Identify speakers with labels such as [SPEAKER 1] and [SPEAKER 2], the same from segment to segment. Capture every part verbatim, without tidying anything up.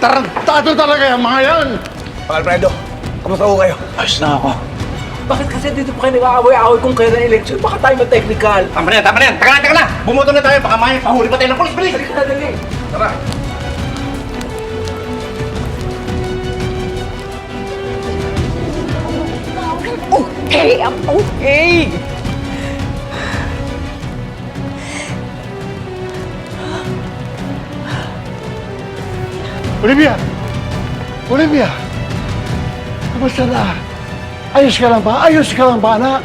[SPEAKER 1] Tarantado talaga yung mga yan!
[SPEAKER 2] Pak Alfredo, kamusta ko kayo?
[SPEAKER 1] Ayos na ako.
[SPEAKER 3] Bakit kasi dito pa kayo nag-aaway-aaway kung kailan election? Baka tayo ma-technical.
[SPEAKER 2] Tama na yan, tama na yan! Taka na, taka na! Bumoto na tayo, baka may pahuli pa tayo ng polis, bilis!
[SPEAKER 3] Halika na, dali.
[SPEAKER 2] Tara!
[SPEAKER 4] Okay, I'm okay.
[SPEAKER 1] Olivia! Olivia! Kamusta na? Ayos ka lang ba? Ayos ka lang ba, anak?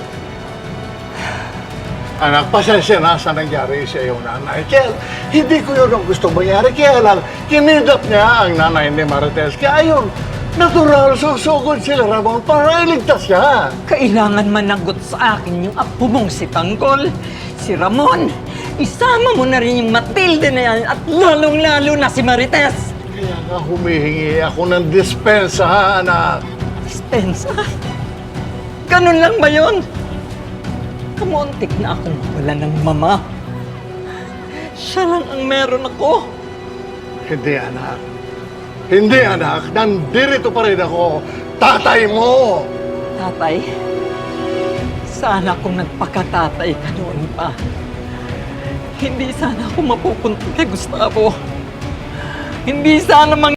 [SPEAKER 1] Anak, pasensya na sa nangyari sa iyong nanay. Kaya hindi ko yun ang gusto mangyari. Kaya lang, kinidap niya ang nanay ni Marites. Kaya yun, natural, susugod si Ramon para iligtas siya.
[SPEAKER 4] Kailangan managot sa akin yung apo mong si Tanggol, si Ramon. Isama mo na rin yung Matilde na yan at lalong-lalo na si Marites.
[SPEAKER 1] Kaya nga humihingi ako ng dispensa, ha, anak.
[SPEAKER 4] Dispensa? Ganun lang ba yun? Kamuntik na akong wala ng mama. Siya lang ang meron ako.
[SPEAKER 1] Hindi, anak. Hindi, anak. Nandito pa rin ako. Tatay mo!
[SPEAKER 4] Tatay, sana kung nagpakatatay ka noon pa, hindi sana ako mapupunta kay Gustavo. Hindi sana mang